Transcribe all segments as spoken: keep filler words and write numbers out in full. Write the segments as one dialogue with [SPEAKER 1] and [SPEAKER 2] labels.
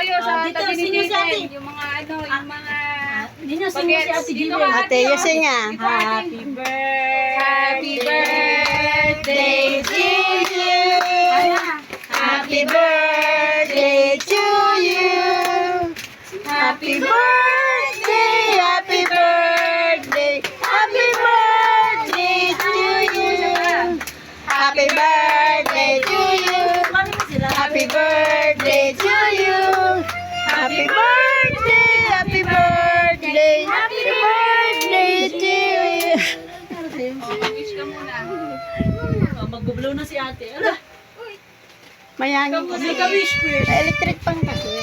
[SPEAKER 1] kayo sa
[SPEAKER 2] Ah, dito,
[SPEAKER 1] tabi ni
[SPEAKER 2] sino si ate?
[SPEAKER 1] Jaden. Yung mga ano, yung mga...
[SPEAKER 2] Hindi nyo sino si
[SPEAKER 1] Bagets.
[SPEAKER 2] Ate
[SPEAKER 1] Dito
[SPEAKER 2] Gillian.
[SPEAKER 1] ka,
[SPEAKER 3] Ate,
[SPEAKER 1] oh.
[SPEAKER 3] yusin nga.
[SPEAKER 1] Dito, ate.
[SPEAKER 2] Happy birthday.
[SPEAKER 1] Happy birthday to you.
[SPEAKER 3] Happy birthday to you. Happy birthday, happy birthday, happy birthday to you. Happy birthday to you.
[SPEAKER 2] Mami mo sila.
[SPEAKER 3] Happy birthday to you. Happy birthday, happy birthday, happy birthday to you.
[SPEAKER 1] Wish ka muna.
[SPEAKER 2] Oh, mag-blow na si ate. Ala,
[SPEAKER 3] Mayangin ko.
[SPEAKER 2] may ka-wish first.
[SPEAKER 3] Electric pang kasi.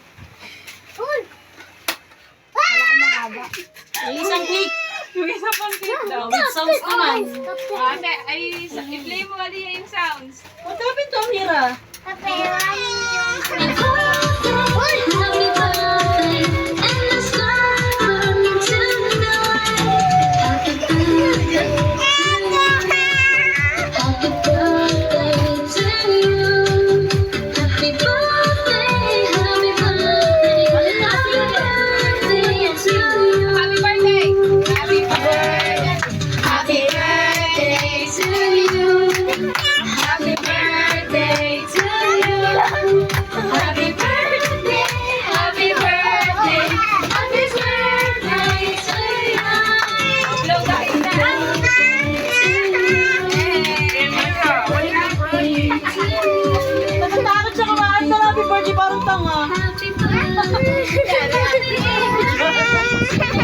[SPEAKER 2] May isang cake.
[SPEAKER 1] Yung isa pang cake daw.
[SPEAKER 2] With sounds naman.
[SPEAKER 1] Ate, ay, sa- i-play mo ali yung sounds.
[SPEAKER 2] What happened to Amira?
[SPEAKER 4] Kaperanin yung